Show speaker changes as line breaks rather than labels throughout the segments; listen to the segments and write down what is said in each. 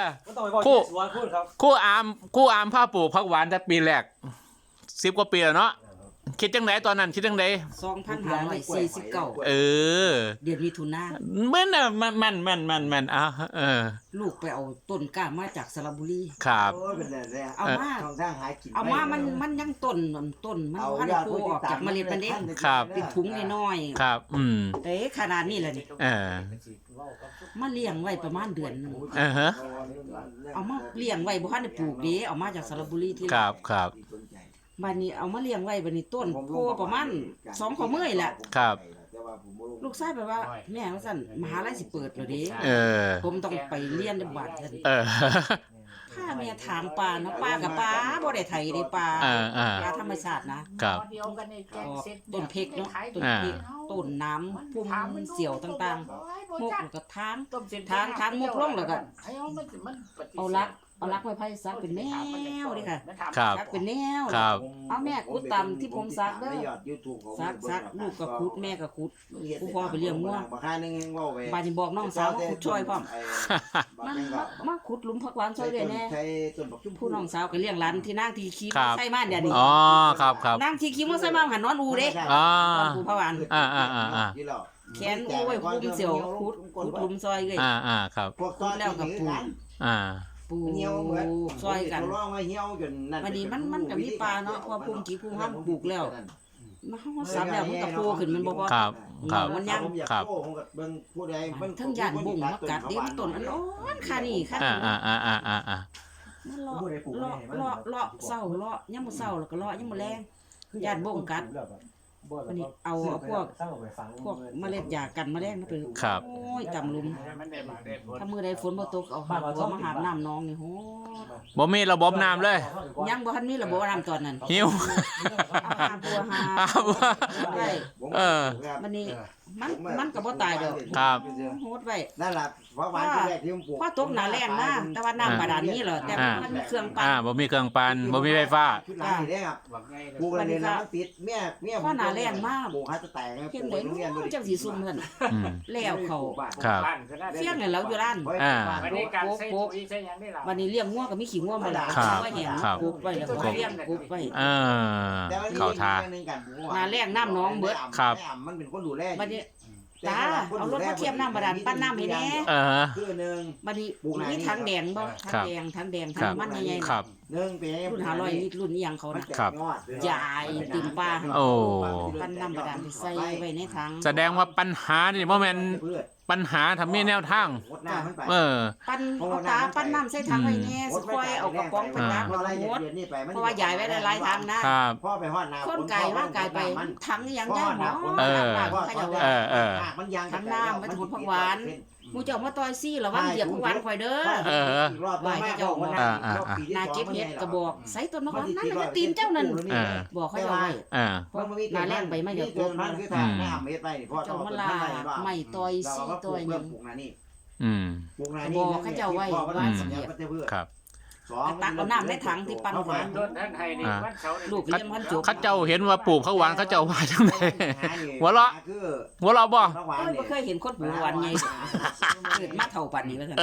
ก็ต้องไปบอก
คู่
สวนพูดครับ
คู่อามผ้าปลูกผักหวานแต่ปีแรก10 กว่าปีแล้วเนาะคิดจังไดตอนนั้นคิดจังได
2549
เออ
เดือนมิถุนา
แม่นน่ะมัน
ลูกไปเอาต้นกล้ามาจากสระบุรี
ครับ
โอ้ยเป็นแร่ๆ
เอามา
ทางทางหากิน
เอามามันยังต้นมันพันธุ์โผล่ออกจากเมล็ดมันเด้
ครับ
เป็นถุงน้อย
ครับ
ๆเด้ขนาดนี้แหละนี่
เออ
มาเลี้ยงไว้ประมาณเดือนหนึง
ฮะ
เอามาเลี้ยงไว้บ่ทันได้ปลูกเด้เอามาจากสระบุรีที่
ครับ
บัดนี้เอามาเลี้ยงไว้บัดนี้ต้นโผล่ประมาณ2ข้อมือนี่แหละ
ครับ
ลูกชายแบบว่าแม่ว่าซั่นมหาลัยสิเปิดแล้วเด้
เออ
ผมต้องไปเรียนในบ้านซั่น
เออ
ถ้าแม่ถามปลาเนาะปลากับปลาบ่ได้ไถได้ปลา ปลาธรรมชาตินะครับ ต้นเพกเนาะต้นเพกต้นน้ำพุ่มเสี่ยวต่างๆมุกแล้วก็ทางมุกลงแล้วก็เอาลักไม้ไผ่ซักเป็นแนวดิค่ะ
ครับ
ซักเป็นแนว
ครับ
เอาแม่ขุดตามที่ผมซักเด้อซักลูกก็ขุดแม่ก็ขุดกูพ่อไปเลี้ยงงัวบาดนี้บอกน้องสาวมาขุดช่วยพร้อมมาขุดหลุมผักหวานช่วยด้วยแน่ผู้น้องสาวก็เลี้ยงหลานที่นางที่ขี่มอไซค์มาเดี๋ยวนี้
อ๋อครับ
นางที่ขี่มอไซค์มาหันนอนอูเด้
อ๋อ
ตอนกูผักหวาน แขนอูไว้คุมเสี่ยวขุดหลุมซอยเลย
ครับ
ขุดแล้วก็ปลูก ปลูกซอยกันวันนี้มันก็มีปลาเนาะพอภูมิกี่ภูมิห้ามปลูกแล้วมาเฮาซับแล้วมันก็โตขึ้นมันบ่พอ
ครับครับ
มันยัง
ครับ
ทั้งย่านบ่งมากัดเด้มันต้นอันอ่อนค่ะนี่ค่ะมันเลาะเศร้าเลาะยามมื้อเช้าแล้วก็เลาะยามมื้อแลงย่านบ่งกัดวันนี้เอาพวกเมล็ดยากันแมลงมาไป
ครับ
โอ้ยตำลุมถ้ามื้อใดฝนบ่ตกเอาหาบัวมาหาบน้ำน้องนี่โห
บ่มีระบบน้ำเลย
ยังบ่ทันมีระบบน้ำตอนนั้น
หิว
เอาหาบัวหาได้ มันนี่มันก็บ่ตายดอก
ครับ
โหดไว้
นั่นล่ะเพราะวันที่แรกที่ผมปลูก
พอตกหน้าแล้งนะแต่ว่าน้ำบาดาลนี่เหรอแต่มันมีเครื่องปั่น
บ่มีเครื่องปั่นบ่มีไฟฟ้า
ชุดหลังนี่เด้ครับปลูกอะไรเนี่ยนะมันติดเมีย
พอหน้าแล้งมาก
ปลูกให้จะแตก
เพียงเลยจังสิซุ่มเพิ่น
อืม
แล้วเขา
ครับ
เฟี้ยงเนี่ยแล้วอยู่ร้าน
วันนี้การใช้ปุ๋ยใช้หยังได้ล่ะ
วันนี้เลี้ยงงัวก็มีขี้งัวมาแล้ว
ครับ
ไว้แห้ง
ครับ
ปลูกไว้แล้วก็เลี้ยงปลูกไว้
เข้าทา
หน้าแล้งน้ำน้องเบิด
ครับ
มันเป็นคนดูแล
บัดนี้ตาเอารถมาเทียมน้ำบาดาลปั้นน้ำให้แน่
คือหนึ่ง
บัดนี้มีถังแดงบ่ถังแดงถังมันใหญ่ๆ
ครับ
หนึ่งเป็น
รุ่น500ลิตรรุ่นอีหยังเขานะ
ครับ
ใหญ่เต็มป่า
โอ้
ปั้นน้ำบาดาลไปใส่ไว้ในถัง
แสดงว่าปัญหานี่บ่แม่นปัญหาทำมีแนวทาง
ปั้นเอาตาปั้นน้ำใส่ถังไว้แน่สิค่อยเอากระป๋องไปตักแล้วก็หมดเพราะว่าใหญ่ไว้หลายๆถังนะครับ
พ่อไปฮอดนา
คนไก่ว่ากายไปถังอีหยังย่างหมอ เขาจะว่า
มันยาง
ถังน้ำไว้ถมผักหวานหมูเจ้ามาต่อยซี่ระวังเหยียบผักหวานข่อยเด้อ นาเก็บเห็ดกระบอกใส่ต้นมะขามนั่นน่ะตีนเจ้านั่นบอกเขาจะไว้เพราะหนาแรงไปไม่เดี๋ยวโกง
มันคือทางน้ำเม็ดไปพ่อ
เจ้ามาลาไม่ต่อยซี่ต่อยหยัง
ปลูกนานี่
อืม
ปลูกนานี่
ครับ
ตักเอาน้ำในถังที่ปั้นหวาน
โดนท่านไทยนี่วันเสาร์นี่
ลูกเลี้ยงพันจุก
เขาเจ้าเห็นว่าปลูกผักหวานเขาเจ้าว่าจังได๋หัวเราะบ่
ไม่เคยเห็นคนปลูกหวานไงเกิดมาเท่าปันนี้ว่าซั่น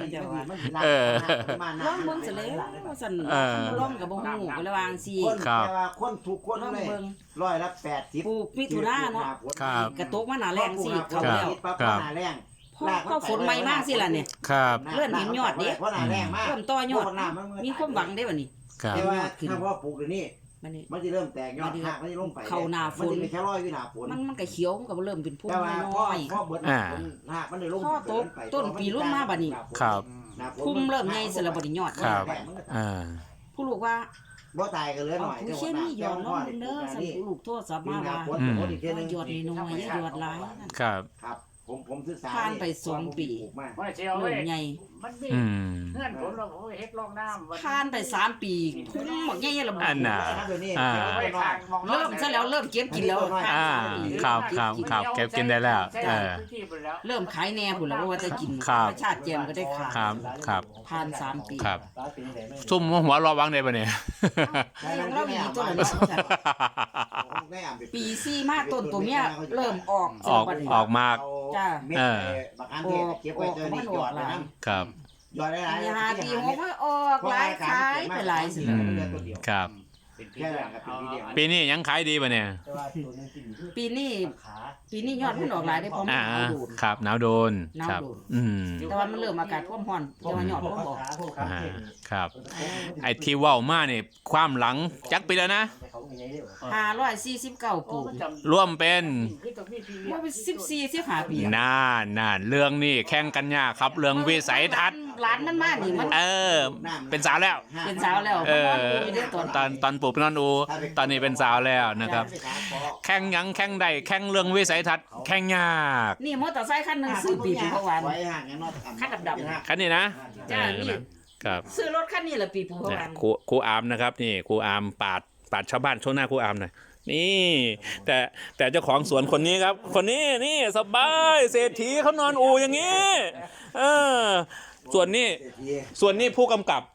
ร้องเบิ่งซะแล้วว่าซั่นร้องกับบ่ฮู้ก็ระวางซี่
คนทุกคน
ร้อง
เลย
เบิ่ง
80
ปลูกมิถุนาเนาะ
ครับ
กระตกมาหนาแรงซี่เขาแล้ว
นาแรง
พอฝนใหม่มากสิล่ะเนี่ย
ครับ
เริ่มเห็นยอดดิ
เพราะนาแรงมาก
เริ่มต่อยอดมีความหวังได้บัดนี้
ครับ
แต่ว่าถ้าพ่อปลูกเดี๋ยวนี้
บัดนี้
มันจะเริ่มแตกยอดหักมันจะลงไป
เข้าหน้าฝน
มันจะแค่ร้อยวินาฝน
มันก็เขียวมันก็เริ่มเป็นพุ่ม
แต่ว่า
น้อย
พ่อเบิดหักมันเลยลง
พ่อตกต้นปีรุ่นมาบัดนี้
ครับ
พุ่มเริ่มใหญ่สละบัดนี้ยอด
ครับ
ผู้ลูกว่า
บ่ตายกันเลยห
เอา
น่อย
ผู้เคมีหยอดลงเด้อสั่นผู้ลูกโทษสับมาว่าหยอดน้อยอย่าหยอดหลาย
ครับ
ครับผมศึกษา
ผ่านไป2 ปี
ว่าเชียว
เริ่
เว้ย
มใหญ่
มันมี
อืม
เงื่อนผลเราเฮ็ดลองน้ำ
ผ่านไป3 ปีพุ่มบักใหญ่ๆละ
อันน่ะ
เริ่มซะแล้วเริ่มเก็บกินแล้ว
ครับเก็บกินได้แล้ว
เริ่มขายแน่พุ่นแล้วว่าจะกินชาติแจมก็ได้ขาย
ครับ
ผ่าน3 ปี
ครับซุ่มหัวรอวังได้ปะเนี่ย
เรามีต้นละปี4มาต้นตัวเนี้ยเริ่มออก
ออกมาก
จ้า
เม็ดบักอันเทศเก็บไว้เจอนี่หยอดเลยนะครับยอดได้หลาย
ปี5ปี6มันออกหลายขายไปหลายสิ
ครับ
เป็นปี
แค่
แร
นั้
ก
นก็
เอา
ปีเดียว
ปีนี้ยังขายดีป่ะเนี่ย
แต่ว่าตัวนึงกินคือ
ปีนี้
ขา
ปีนี้ยอดมันออกหลายได้เพราะมัน
อ่า
หนาวโดน
ครับหนาวโดนครับ
หนาวโดน
อืม
แต่ว่ามันเริ่มอากาศท่วมร้อนแต่ว่ายอด
พวก
บ่บอก
ขาพวกขา
อ่า
เก่ง
ครับ ไอ้ที่เว้ามาเนี่ยความหลังจักปีแล้วนะ
แต่เขามีไงเนี่ย
549ปลูก
ร่วมเป็น
ว่าเป็น14 15ปีอะ
น่านเรื่องนี้แข่งกันยากครับ เรื่องวิสัยทัศน์
ร้านมันมานี่มัน
เป็นสาวแล้ว
เป็นสาวแล้ว
เออ
มันอยู่ในตอน
ตอนปลูกเป็นนอนอูตอนนี้เป็นสาวแล้วนะครับ แข่งหยังแข่งใดแข่งเรื่องวิสัยทัศน์แข่งยาก
นี่มอเตอร์ไซค์คันหนึงซื้อปีภูเขาหวาน
ไว้ห่างกันเนาะ
คันดำ
คันนี้นะ
จ้านี่
ครับ
ซื้อรถคันนี้ละปีภูเขา
เนี่ย
หวาน
ครูอามนะครับนี่ครูอามปาดชาวบ้านช่วงหน้าครูอามหน่อยนี่แต่เจ้าของสวนคนนี้ครับ คนนี้นี่สบายเศรษฐีเขานอนอูอย่างนี้ส่วนนี้ผู้กำกับ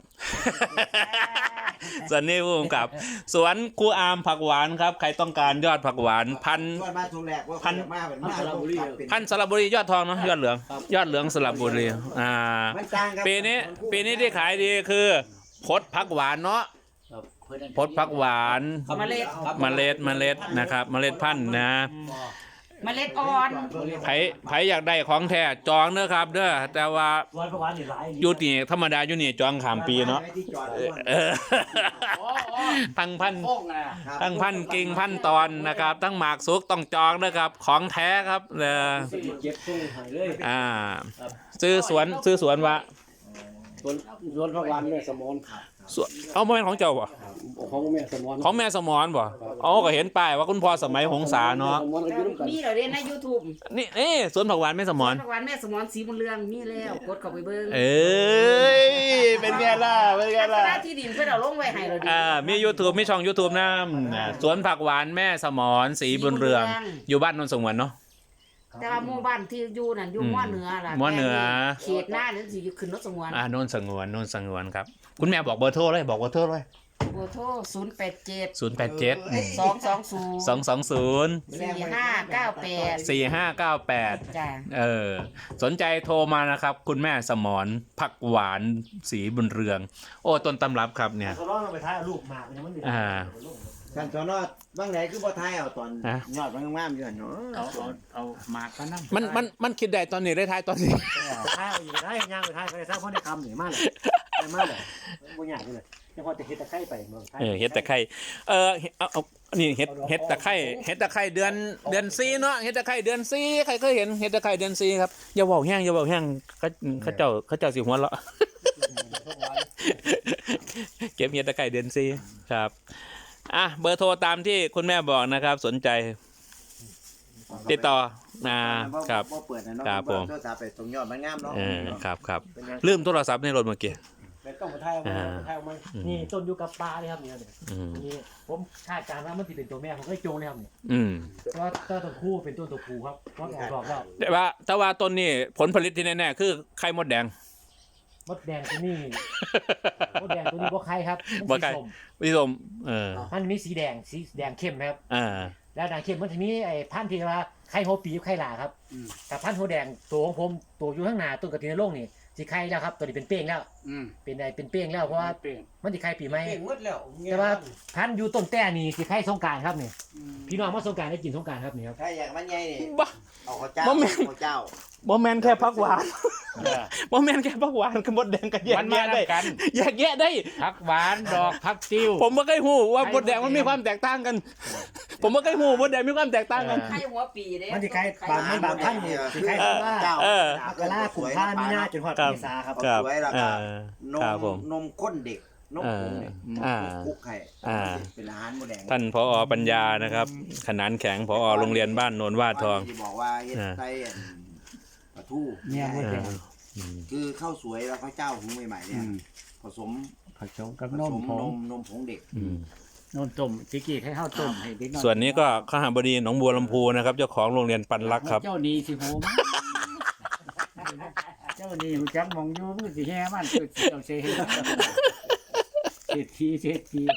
ส่วนนี้ผู้กำกับ สวนครูอามผักหวานครับ ใครต้องการยอดผักหวานพัน
ส่วนบ้านทุงแรกว่าพันมาเป็นมาสระบุรี
พันสระบุรียอดทองเนาะยอดเหลืองสระบุรี
มันต่างครับ
ปีนี้ที่ขายดีคือพดผักหวานเนาะพดผักหวาน
เมล็ด
เมล็ดนะครับเมล็ดพันธุ์นะ
เมล็ดอ่อน
ไผอยากได้ของแท้จองเด้อครับเด้อแต่ว่า
วันประวันนี่หลาย
อยู่นี่ธรรมดาอยู่นี่จองข้ามปีเนาะ
ที่จอด
เออทั้งพัน
โค้งนะ
ทั้งพันกิ่งพันตอนนะครับทั้งหมากสุกต้องจองนะครับของแท้ครับ
เก็บส่งหายเลย
ซื้อสวนว่า
สวนประวันแม่สมอน
สวนเอาบ่แม่นของเจ้าบ่
ของแม่สมอน
ของแม่สมอนบ่อ๋อก็เห็นป้ายว่าคุณพ่อสมัยหงสาเนาะ
สมอนก็อยู่ร่วมกัน
มีเหรอเรียนใน YouTube
นี่สวนผักหวานแม่สมอน
ทุกวันแม่สมอนสีบุญเรืองมีแล้วกดเข้าไปเบิ่ง
เอ้ยเป็นไงล่ะเป็นไง
ลักษ
ล่ะ
ณะที่ดินเพิ่นเอาลงไว้ให้เราดิ
มี YouTube มีช่อง YouTube นะสวนผักหวานแม่สมอนสีบุญเรือง อยู่บ้านนนท์สงวนเนาะ
แต่ว่าหมู่บ้านที่อยู่นั่นอยู่ม้อเหนือล่ะ
ม้อเหนือ
เขตหน้านั่นสิอยู่ขึ้นรถสงวน
นนท์สงวนครับคุณแม่บอกเบอร์โทรเลยบอกเบอร์โทรเลย
เบอร์โทร087
087
220
220
4598
4598
จ้า
สนใจโทรมานะครับคุณแม่สมอนผักหวานสีบุญเรือง โอ้ต้นตำรับครับเนี่ย
เขาร้องไปท้ายลูกหมากมันมันกันตอนนอดบางไหนคือบ่ท้ายเอาตอนยอดมันงามอยู่เนาะ
เอาหมากก็นั่ง
มันคิดได้ตอนนี้ได้ท้ายตอนนี้
ท้ายเอาอยู่ท้ายย่างไปท้ายไปท้ายเพราะในคำนี่มาเลยมาเลยบ่ยากเลยเฉพาะแต่เฮ็ดตะไคร้ไปเมืองไทย
เฮ็ดตะไคร้เอานี่เฮ็ดตะไคร้เดือน4เนาะเฮ็ดตะไคร้เดือน4ใครเคยเห็นเฮ็ดตะไคร้เดือน4ครับอย่าเว้าแห้งเขาเจ้าสิหัวเราะ เก็บเฮ็ดตะไคร้เดือน4ครับเบอร์โทรตามที่คุณแม่บอกนะครับสนใจติดต่อครับ
บ่เปิดนะเนาะ
ครับผม
โทรศัพท์ไปตรงยอดมันงามเนาะ
ครับลืมโทรศัพท์ในรถเมื่อกี้
แล้วต้องไปท้ายเอามานี่ต้นอยู่กับปลาเลยครับเนี่ยนี่ผมคาดการณ์ว่ามันสิเป็นตัวแม่ผมก็โจงเลยครับนี่เพราะว่าตัวผู้เป็นตัวผู้ครับเพราะออกดอกแล้ว
แต่ว่าต้นนี้ผลผลิตที่แน่ๆคือไข่มดแดง
มดแดงตัวนี้มดแดงตัวนี้บ่ไข่ครับ
บ่ไข่ พี่ชม
มันมีสีแดงเข้มนะครับ
แล้ว
แดงเข้มมันจะมีไอ้พันธุ์ที่ว่าไข่หัวปีกับไข่หลาครับแต่พันธุ์หัวแดงตัวของผมตัวอยู่ข้างหน้าต้นกระถินในโลกนี่สิไข่แล้วครับตัวนี้เป็นเป้งแล้วเป็นเป้งแล้วเพราะว่ามันสิไข่ปีใหม่แต่ว่าพันธุ์อยู่ต้นแต่นี่สิไข่สงกรานต์ครับนี่พี่น้องมาสงกรานต์ได้กินสงกรานต์ครับนี่ครับ
ถ้าอยากมันใหญ่นี่
บ้า
เอาข้าวเจ้า
บ่แม่น
ข้าวเจ้า
บ่แม่นแค่ผักหวานบ่แม่นแค่ผักหวานกับมดแดงก็แยก
มันมา
แยะได้
กัน
แยกแยะได้
ผักหวานดอกผักติ้ว
ผมบ่เคยฮู้ว่ามดแดงมันมีความแตกต่างกัน ผมบ่เคยฮู้มดแดงมีความแตกต่างกัน
ไข่หัวปีเด้
มันสิไข่บางพันธุ์นี่สิไข่ว่า
เจ้าม
กราคมพามีนาจนฮอดเมษาครับ
เอาสวยแล้วก็น
ครับผม
นมข้นเด็กนมผงเนี่ยคุกไข่เป็นอาหารหมูแดง
ท่านผอปัญญานะครับขนานแข็งผอโรงเรียนบ้านโนนวาดทอง
ที่บอกว่าเฮ็ดไส้ปลาทู
เนี่ยมดแดง
คือข้าวสวยแล้วข้าวเจ้าหุงใหม่ๆเนี่ยผสม
ผสมกับ
ผ
น
ส
ม
ม
ผง
นมผงเด็ก
นมต้มจิกี้ให้ข้าวต้มให้เด็กน้อย
ส่วนนี้ก็ข้าหาบดีหนองบัวลำพูนะครับเจ้าของโรงเรียนปันรักครับ
เจ้านี่สิผมเจ้านี่หูจักมองอยู่มันสิแห่มันคือเจ้าเสียเศรษฐี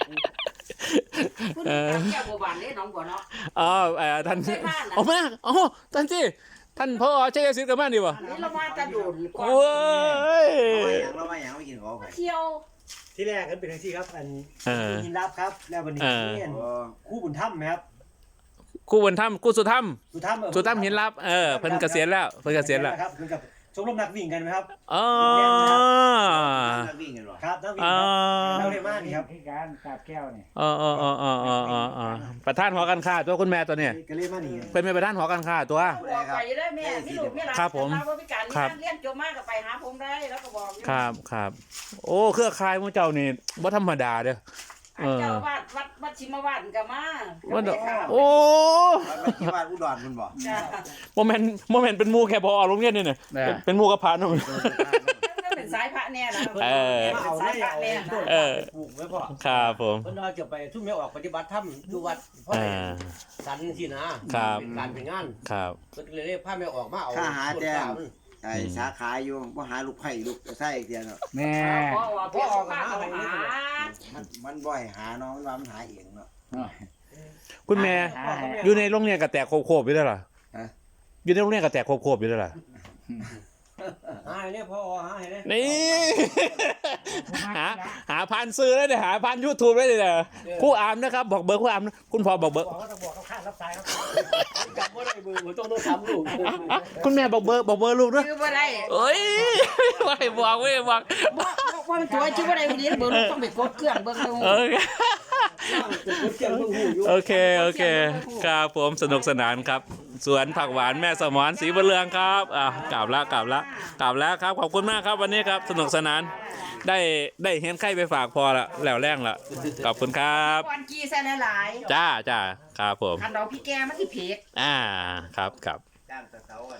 คุณแก้วบัวบานเด้น้องบัวเนาะ
ท่าน
ไม่พลาดนะ
ท่านที่ท่านพ่อชัยสิทธิ์กับมันดีบ่
นี่เรามาจะโดดก่อน
โอ้ย
เรามาอย่างไม่กินของไข่
เที่ยว
ที่แรกก็เป็นจังซี่ครับอัน
เออ
หินรับครับแล้ววันนี้เรียนคู่บุญถ้ำไหมครับ
คู่บุญธรรมคู่สุธรรม
สุถ้ำ
สุธรรมหินลับเพิ่นเกษียณแล้วเพิ่นเกษียณแล้ว
ครับเหมือนกับชมรมนักวิ่งกันไหมครับ
อ๋อ
นักวิ่งกันหรอ
ครับนักวิ่ง
อ๋อ
ครับเราเรียกมากนี่ครับ
ที่การกาบแก้วนี่
ประธานหอการค้าตัวคุณแม่ตัวเนี่ย
ก็เรียกมานี่
เป็นแม่ประธานหอการค้าตัว
บอกไปได้แม่พี่ลูกพี่หลาน
ครับผม
เราพิการนี่เรียนจบมากก็ไปหาผมได้แล้วก็บอก
ครับโอ้เครือข่ายหมู่เจ้านี่บ่ธรรมดาเด้อ
เจ้าวาดวัดชิมวาดก็มา
ว่าโอ้
มันที่บ้านอุดรมันบอก
จ้า
โมเมนต์เป็นหมู่แค่พอโรงเรียนนี่น่ะเป็นหมู่กับพระนำ
เป็นสายพระเนี่ยนะ
เอา
สา
ได้
ยพระ
เอา
เนี่ย
ต้น
เออ
ปลูกไว้พ่อ
ครับผม
เพิ่นว่าจะไปทุ่มแม่ออกปฏิบัติธรรมอยู่วัดพ่อ
อ่า
สันสินะครับ เป็นการเป็นงาน
ครับ
เพิ่นเลยเรียกพาแม่ออกมาเอา
ข้าหาแจ้ง
ต้นกล้มัน
ไอ้สาขาอยู่บ่หาลูกไผ่ลูกไส้เดียวเนาะ
แม่
พ่อออกมาเขาหา
มันบ่อยหาน้องมันว่ามันหาเองเนาะ
คุณแม่อยู่ในโรงเรียนก็แตกโคบๆอยู่แล้วล่ะ
ฮะ
อยู่ในโรงเรียนก็แตกโคบๆอยู่แล้วล่ะ
หาให้เนี่ยพ่อหาให้เนี่ย
นี่หาพันซื้อได้เลยหาพัน YouTube ได้เลยนะครู่อามนะครับบอกเบอร์ครู่อามนะคุณพ่อบอกเบอร์
บอกว่าต้องบอกเขาข้างรับสายครับจำบ่ได้เบอร์ผมต้องทำลูก
คุณแม่บอกเบอร์ลูกด้วย
ชื่อว่าไร
เอ้ยไม่บอกไม่บอก
ว่ามันตัวชื่อว่าไรวันนี้เบอร์ลูกต้องไปกดเครื่องเบอร์ลูก
โอเคครับผมสนุกสนานครับ สวนผักหวานแม่สมรศรีบุญเรืองครับกลับแล้วครับขอบคุณมากครับวันนี้ครับสนุกสนานได้เห็นไข่ไปฝากพอละแล้วแรงละขอบคุณครับ
วันกีใส่หลาย
จ้าครับผม
คันเราพี่แกมันที่เพก
ครับ
จ้างตะเสากัน